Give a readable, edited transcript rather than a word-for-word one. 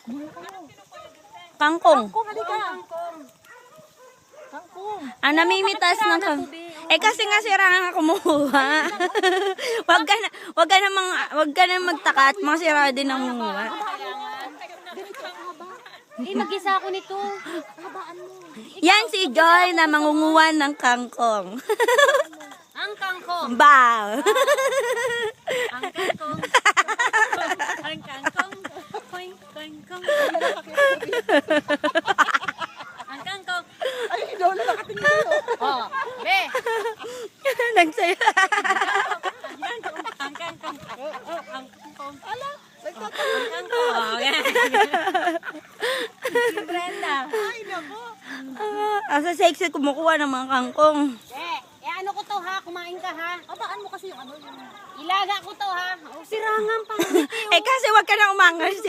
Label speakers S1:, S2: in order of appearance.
S1: Kangkong.
S2: Kangkong, halika. Kangkong.
S1: Ang namimitas ng Eh kasi nga sira nga kumuha. wag ka na magtaka at mga sira din ang kumuha.
S2: Mag-isa ako nito. Habaan mo.
S1: Yan si Joy na mangunguha ng kangkong.
S2: Ang kangkong.
S1: Bow.
S2: Ang kangkong. Ang kangkong. Koing, koing, koing. Ang kangkong.
S3: Ay, Lola, nakatingin kayo.
S2: Oh, be.
S1: Nagsaya.
S2: Ang kangkong. Ang kangkong. Ang kangkong. Ala, nagtatanong. Ang kangkong. Oh, yan. Si Brenda.
S3: Ay, nako.
S1: Asa sexy kumukuha ng mga kangkong.
S2: Ano ko to ha? Kumain ka ha?
S3: Abaan mo kasi yung ano yung...
S2: Ilaga ko to ha? Sirangan pa.
S1: Eh kasi wag ka na umangas.